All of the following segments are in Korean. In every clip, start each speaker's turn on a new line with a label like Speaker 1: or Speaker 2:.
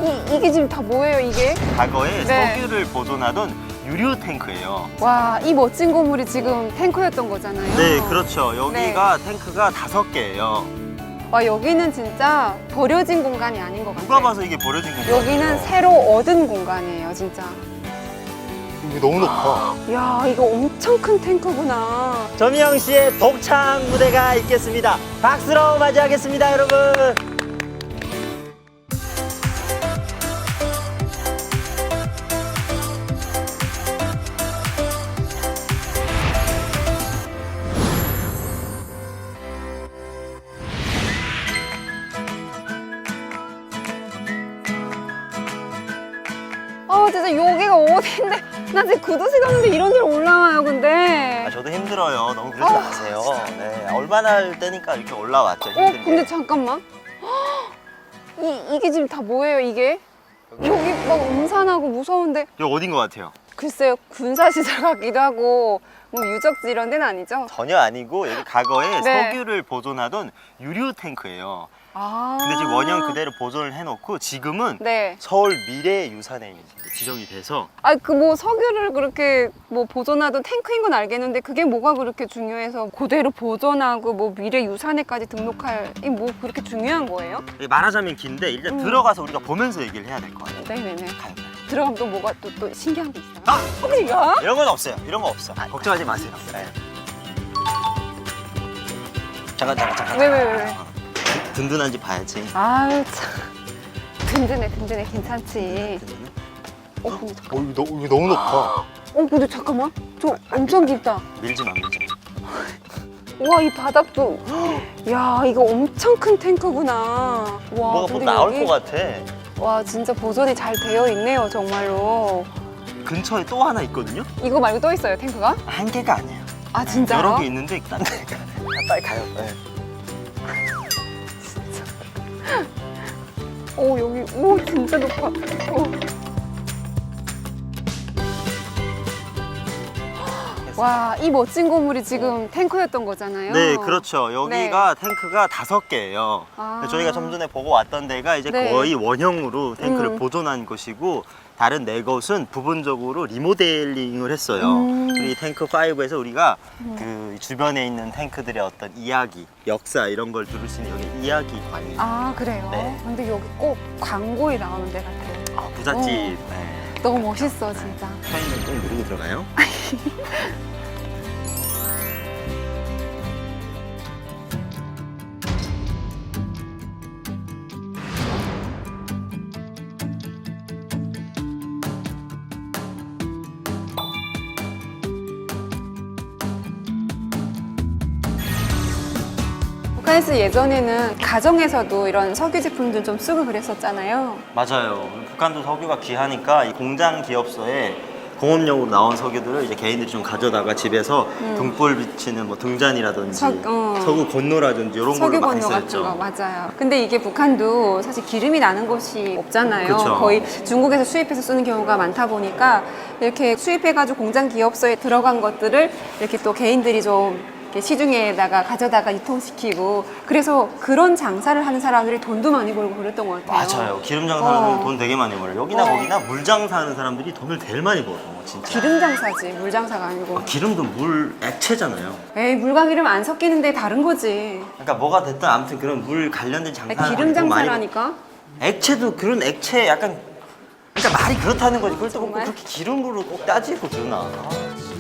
Speaker 1: 이게 지금 다 뭐예요, 이게?
Speaker 2: 과거에
Speaker 1: 네.
Speaker 2: 석유를 보존하던 유류 탱크예요.
Speaker 1: 와, 이 멋진 건물이 지금 탱크였던 거잖아요.
Speaker 2: 네, 그렇죠. 여기가 탱크가 5개예요.
Speaker 1: 와, 여기는 진짜 버려진 공간이 아닌 것 같아요.
Speaker 2: 누가 봐서 이게 버려진 건가요?
Speaker 1: 여기는 새로 얻은 공간이에요, 진짜.
Speaker 2: 이게 너무 높아.
Speaker 1: 야, 이거 엄청 큰 탱크구나.
Speaker 3: 조미영 씨의 독창 무대가 있겠습니다. 박수로 맞이하겠습니다, 여러분.
Speaker 1: 진짜 여기가 어딘데? 나 지금 구두 신었는데 이런 데로 올라와요, 근데.
Speaker 2: 저도 힘들어요. 너무 그러지 마세요. 네, 얼마나 할 때니까 이렇게 올라왔죠. 힘들게.
Speaker 1: 근데 잠깐만. 이게 지금 다 뭐예요, 이게? 여기 막 음산하고 무서운데.
Speaker 2: 여기 어딘 것 같아요?
Speaker 1: 글쎄요, 군사시설 같기도 하고, 뭐 유적지 이런 데는 아니죠?
Speaker 2: 전혀 아니고 여기 과거에
Speaker 1: 네.
Speaker 2: 석유를 보존하던 유류 탱크예요.
Speaker 1: 아.
Speaker 2: 근데 지금 원형 그대로 보존을 해놓고 지금은
Speaker 1: 네.
Speaker 2: 서울 미래유산에 지정이 돼서
Speaker 1: 그 뭐 석유를 그렇게 뭐 보존하던 탱크인 건 알겠는데 그게 뭐가 그렇게 중요해서 그대로 보존하고 뭐 미래 유산에까지 등록할 이 뭐 그렇게 중요한 거예요?
Speaker 2: 말하자면 긴데 일단 들어가서 우리가 보면서 얘기를 해야 될 것 같아요.
Speaker 1: 네네네.
Speaker 2: 가요.
Speaker 1: 들어가면 또 뭐가 또 신기한 게 있어요? 어디가?
Speaker 2: 이런 건 없어요. 이런 거 없어. 걱정하지 마세요. 네. 잠깐.
Speaker 1: 왜?
Speaker 2: 든든한지 봐야지.
Speaker 1: 아유 참. 든든해 괜찮지. 근데 잠깐.
Speaker 2: 이거 너무 높아.
Speaker 1: 근데 잠깐만. 저 엄청 깊다.
Speaker 2: 밀지 마.
Speaker 1: 와, 이 바닥도. 야, 이거 엄청 큰 탱크구나. 와,
Speaker 2: 뭐가 뭐
Speaker 1: 근데
Speaker 2: 나올
Speaker 1: 여기-
Speaker 2: 것 같아.
Speaker 1: 와, 진짜 보존이 잘 되어 있네요, 정말로.
Speaker 2: 근처에 또 하나 있거든요?
Speaker 1: 이거 말고 또 있어요, 탱크가?
Speaker 2: 한 개가 아니에요.
Speaker 1: 아, 진짜요?
Speaker 2: 여러 개 있는데 딴 데. 빨리 가요. 네.
Speaker 1: 여기, 진짜 높아. 와, 이 멋진 건물이 지금 탱크였던 거잖아요.
Speaker 2: 네, 그렇죠. 여기가 탱크가 5개예요.
Speaker 1: 아.
Speaker 2: 저희가 좀 전에 보고 왔던 데가 이제
Speaker 1: 네.
Speaker 2: 거의 원형으로 탱크를 보존한 곳이고 다른 4곳은 부분적으로 리모델링을 했어요. 그리고 이 탱크 5에서 우리가 그 주변에 있는 탱크들의 어떤 이야기, 역사 이런 걸 들을 수 있는 여기 이야기관이
Speaker 1: 아, 그래요?
Speaker 2: 네.
Speaker 1: 근데 여기 꼭 광고에 나오는 데 같아요.
Speaker 2: 부잣집. 네.
Speaker 1: 너무 멋있어, 진짜.
Speaker 2: 편의점 꼭 누르고 들어가요.
Speaker 1: 북한에서 예전에는 가정에서도 이런 석유 제품들 좀 쓰고 그랬었잖아요.
Speaker 2: 맞아요. 북한도 석유가 귀하니까 이 공장 기업소에 공업용으로 나온 석유들을 이제 개인들이 좀 가져다가 집에서 등불 비치는 뭐 등잔이라든지 석유 건노라든지 이런 걸로
Speaker 1: 석유
Speaker 2: 많이
Speaker 1: 건조 같은
Speaker 2: 쓰였죠.
Speaker 1: 거 맞아요. 근데 이게 북한도 사실 기름이 나는 곳이 없잖아요.
Speaker 2: 그쵸.
Speaker 1: 거의 중국에서 수입해서 쓰는 경우가 많다 보니까 이렇게 수입해가지고 공장 기업소에 들어간 것들을 이렇게 또 개인들이 좀 이렇게 시중에다가 가져다가 유통시키고 그래서 그런 장사를 하는 사람들이 돈도 많이 벌고 그랬던 것 같아요.
Speaker 2: 맞아요. 기름 장사하는
Speaker 1: 어.
Speaker 2: 돈 되게 많이 벌어요. 여기나 거기나 물 장사하는 사람들이 돈을 제일 많이 벌어. 진짜.
Speaker 1: 기름 장사지 물 장사가 아니고.
Speaker 2: 기름도 물 액체잖아요.
Speaker 1: 에이 물과 기름 안 섞이는데 다른 거지.
Speaker 2: 그러니까 뭐가 됐든 아무튼 그런 물 관련된 장사.
Speaker 1: 기름 장사라니까.
Speaker 2: 액체도 그런 액체 약간 그러니까 말이 그렇다는 거지. 그걸 또 꼭
Speaker 1: 정말?
Speaker 2: 그렇게 기름으로 꼭 따지고 그러나. 아, 진짜.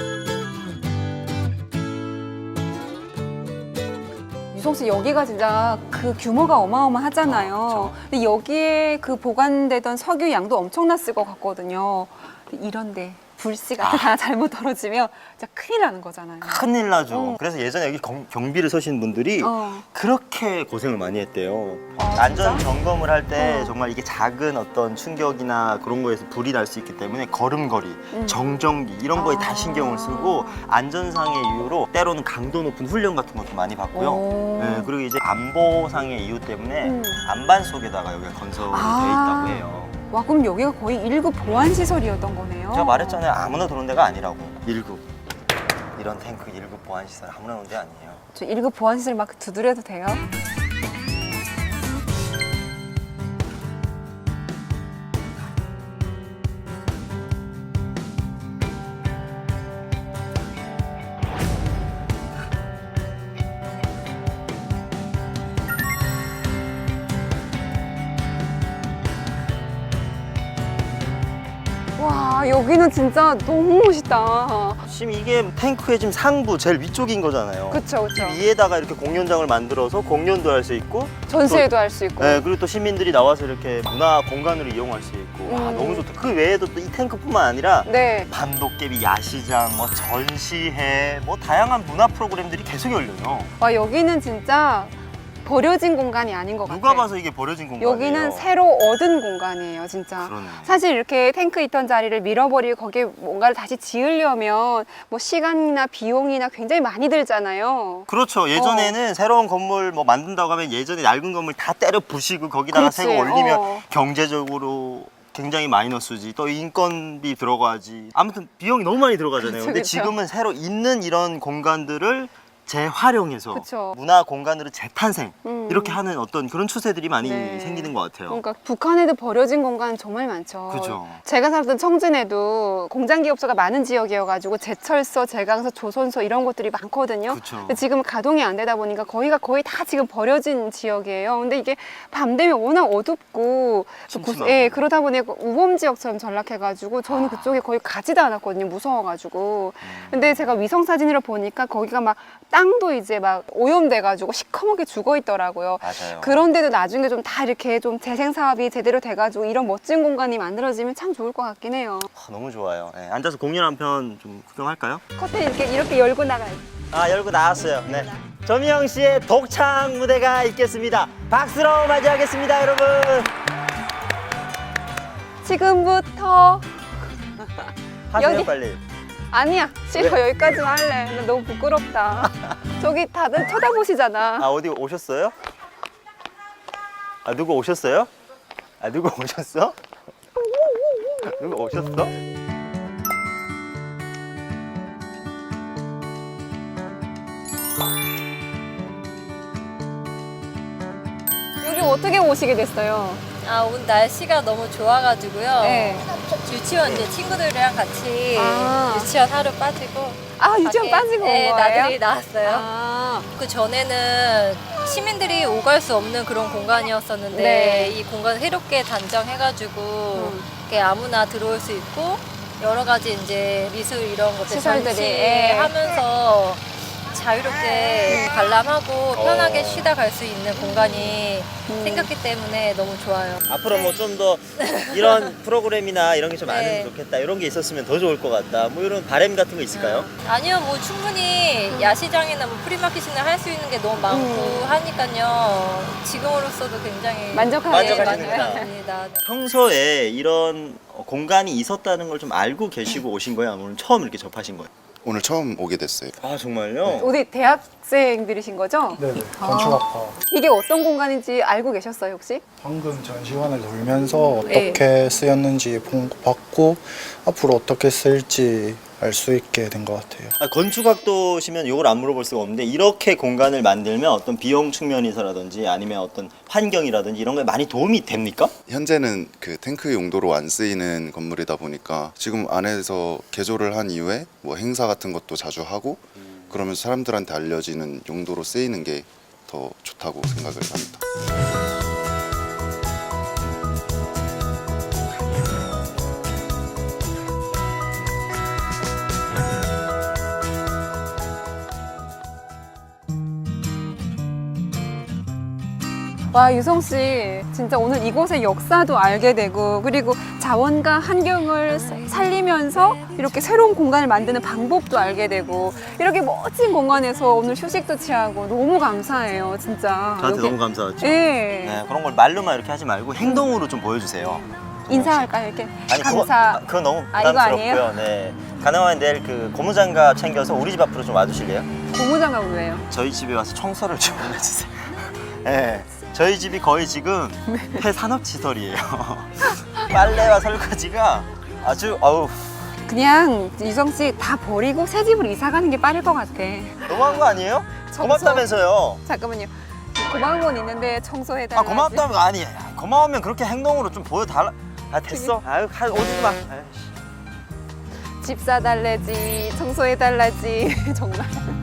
Speaker 1: 유성 씨 여기가 진짜 그 규모가 어마어마하잖아요. 근데 여기에 그 보관되던 석유 양도 엄청났을 것 같거든요. 근데 이런데 불씨가 하나 잘못 떨어지면 진짜 큰일 나는 거잖아요.
Speaker 2: 큰일 나죠. 그래서 예전에 여기 경비를 서신 분들이
Speaker 1: 어.
Speaker 2: 그렇게 고생을 많이 했대요.
Speaker 1: 아,
Speaker 2: 안전
Speaker 1: 진짜?
Speaker 2: 점검을 할 때
Speaker 1: 어.
Speaker 2: 정말 이게 작은 어떤 충격이나 그런 거에서 불이 날 수 있기 때문에 걸음걸이, 정전기 이런 거에 다
Speaker 1: 아.
Speaker 2: 신경을 쓰고 안전상의 이유로 때로는 강도 높은 훈련 같은 것도 많이 받고요.
Speaker 1: 오.
Speaker 2: 네, 그리고 이제 안보상의 이유 때문에
Speaker 1: 음.
Speaker 2: 안반 속에다가 여기가 건설이
Speaker 1: 아.
Speaker 2: 돼 있다고 해요.
Speaker 1: 와 그럼 여기가 거의 1급 보안 시설이었던 거네요.
Speaker 2: 제가 말했잖아요. 아무나 들어온 데가 아니라고. 1급. 이런 탱크 1급 보안시설 아무나 오는 데 아니에요.
Speaker 1: 저 1급 보안 시설 막 두드려도 돼요? 와, 여기는 진짜 너무 멋있다.
Speaker 2: 지금 이게 탱크의 지금 상부 제일 위쪽인 거잖아요.
Speaker 1: 그쵸, 그쵸.
Speaker 2: 위에다가 이렇게 공연장을 만들어서 공연도 할 수 있고
Speaker 1: 전시회도 할 수 있고.
Speaker 2: 네, 그리고 또 시민들이 나와서 이렇게 문화 공간으로 이용할 수 있고 와, 너무 좋다. 그 외에도 또 이 탱크뿐만 아니라
Speaker 1: 네.
Speaker 2: 밤도깨비 야시장, 뭐 전시회, 뭐 다양한 문화 프로그램들이 계속 열려요.
Speaker 1: 와, 여기는 진짜 버려진 공간이 아닌 것 같아요.
Speaker 2: 누가 봐서 이게 버려진 공간이에요.
Speaker 1: 여기는 새로 얻은 공간이에요, 진짜.
Speaker 2: 그러네.
Speaker 1: 사실 이렇게 탱크 있던 자리를 밀어버리고 거기에 뭔가를 다시 지으려면 뭐 시간이나 비용이나 굉장히 많이 들잖아요.
Speaker 2: 그렇죠. 예전에는 새로운 건물 뭐 만든다고 하면 예전에 낡은 건물 다 때려 부시고 거기다가 새거 올리면 경제적으로 굉장히 마이너스지. 또 인건비 들어가지. 아무튼 비용이 너무 많이 들어가잖아요.
Speaker 1: 그쵸,
Speaker 2: 근데
Speaker 1: 그쵸.
Speaker 2: 지금은 새로 있는 이런 공간들을 재활용해서
Speaker 1: 그쵸.
Speaker 2: 문화 공간으로 재탄생
Speaker 1: 음.
Speaker 2: 이렇게 하는 어떤 그런 추세들이 많이
Speaker 1: 네.
Speaker 2: 생기는 것 같아요.
Speaker 1: 그러니까 북한에도 버려진 공간 정말 많죠.
Speaker 2: 그죠.
Speaker 1: 제가 살던 청진에도 공장 기업소가 많은 지역이어가지고 제철소, 제강소, 조선소 이런 곳들이 많거든요.
Speaker 2: 그쵸.
Speaker 1: 근데 지금 가동이 안 되다 보니까 거기가 거의 다 지금 버려진 지역이에요. 근데 이게 밤 되면 워낙 어둡고
Speaker 2: 침침하고.
Speaker 1: 예, 그러다 보니까 우범 지역처럼 전락해가지고 저는 그쪽에 거의 가지도 않았거든요. 무서워가지고. 근데 제가 위성 사진으로 보니까 거기가 막 땅도 이제 막 오염돼가지고 시커멓게 죽어 있더라고요.
Speaker 2: 맞아요.
Speaker 1: 그런데도 나중에 좀 다 이렇게 좀 재생 사업이 제대로 돼가지고 이런 멋진 공간이 만들어지면 참 좋을 것 같긴 해요.
Speaker 2: 너무 좋아요. 네, 앉아서 공연 한 편 좀 구경할까요?
Speaker 1: 커튼 이렇게 열고 나가요.
Speaker 2: 아, 열고 나왔어요. 네. 조미영 씨의 독창 무대가 있겠습니다. 박수로 맞이하겠습니다, 여러분.
Speaker 1: 지금부터
Speaker 2: 하세요,
Speaker 1: 여기.
Speaker 2: 빨리.
Speaker 1: 아니야 싫어 여기까지만 할래. 나 너무 부끄럽다. 저기 다들 쳐다보시잖아.
Speaker 2: 아, 어디 오셨어요? 아, 누구 오셨어요? 아, 누구 오셨어? 누구 오셨어?
Speaker 1: 여기 어떻게 오시게 됐어요?
Speaker 4: 아, 오늘 날씨가 너무 좋아가지고요.
Speaker 1: 네.
Speaker 4: 유치원 이제 친구들이랑 같이
Speaker 1: 아.
Speaker 4: 유치원 하루 빠지고.
Speaker 1: 아 유치원
Speaker 4: 밖에,
Speaker 1: 빠지고 온
Speaker 4: 네,
Speaker 1: 거예요?
Speaker 4: 나들이 나왔어요.
Speaker 1: 아,
Speaker 4: 그 전에는 시민들이 오갈 수 없는 그런 공간이었었는데
Speaker 1: 네.
Speaker 4: 이 공간을 새롭게 단정해가지고 이렇게 아무나 들어올 수 있고 여러 가지 이제 미술 이런 것들
Speaker 1: 시설들이, 예.
Speaker 4: 전시하면서 자유롭게 관람하고 편하게 쉬다 갈 수 있는 공간이 생겼기 때문에 너무 좋아요.
Speaker 2: 앞으로 뭐 좀 더 이런 프로그램이나 이런 게 좀
Speaker 4: 네.
Speaker 2: 많으면 좋겠다. 이런 게 있었으면 더 좋을 것 같다. 뭐 이런 바람 같은 거 있을까요?
Speaker 4: 아니요, 뭐 충분히 야시장이나 뭐 프리마켓이나 할 수 있는 게 너무 많고 하니까요. 지금으로서도 굉장히
Speaker 2: 만족하시는구나.
Speaker 4: 만족합니다.
Speaker 2: 평소에 이런 공간이 있었다는 걸 좀 알고 계시고 오신 거예요? 아니면 오늘 처음 이렇게 접하신 거예요?
Speaker 5: 오늘 처음 오게 됐어요.
Speaker 2: 아, 정말요?
Speaker 1: 어디 대학생들이신 거죠?
Speaker 6: 네네, 건축학과.
Speaker 1: 이게 어떤 공간인지 알고 계셨어요 혹시?
Speaker 6: 방금 전시관을 돌면서
Speaker 1: 네.
Speaker 6: 어떻게 쓰였는지 봤고 앞으로 어떻게 쓸지 알 수 있게 된 것 같아요.
Speaker 2: 아, 건축학도시면 이걸 안 물어볼 수가 없는데 이렇게 공간을 만들면 어떤 비용 측면에서라든지 아니면 어떤 환경이라든지 이런 거에 많이 도움이 됩니까?
Speaker 5: 현재는 그 탱크 용도로 안 쓰이는 건물이다 보니까 지금 안에서 개조를 한 이후에 뭐 행사 같은 것도 자주 하고 그러면서 사람들한테 알려지는 용도로 쓰이는 게 더 좋다고 생각을 합니다.
Speaker 1: 와 유성 씨 진짜 오늘 이곳의 역사도 알게 되고 그리고 자원과 환경을 살리면서 이렇게 새로운 공간을 만드는 방법도 알게 되고 이렇게 멋진 공간에서 오늘 휴식도 취하고 너무 감사해요 진짜.
Speaker 2: 저한테
Speaker 1: 여기-
Speaker 2: 너무 감사하죠.
Speaker 1: 예.
Speaker 2: 네, 그런 걸 말로만 이렇게 하지 말고 행동으로 좀 보여주세요.
Speaker 1: 인사할까요 이렇게?
Speaker 2: 아니
Speaker 1: 감사.
Speaker 2: 그건 너무
Speaker 1: 아, 이거
Speaker 2: 부담스럽고요. 네, 가능하면 내일 그 고무장갑 챙겨서 우리 집 앞으로 좀 와주실래요?
Speaker 1: 고무장갑 왜요?
Speaker 2: 저희 집에 와서 청소를 좀 해주세요. 네, 저희 집이 거의 지금 폐산업시설이에요. 빨래와 설거지가 아주 아우
Speaker 1: 그냥 유성 씨 다 버리고 새 집으로 이사 가는 게 빠를 것 같아.
Speaker 2: 너무한 거 아니에요?
Speaker 1: 청소.
Speaker 2: 고맙다면서요.
Speaker 1: 잠깐만요. 고마운 건 있는데 청소해달라.
Speaker 2: 아, 고맙다면 아니 고마우면 그렇게 행동으로 좀 보여달라. 아, 됐어. 아유, 오지도 마. 아유.
Speaker 1: 집 사달래지 청소해달라지 정말.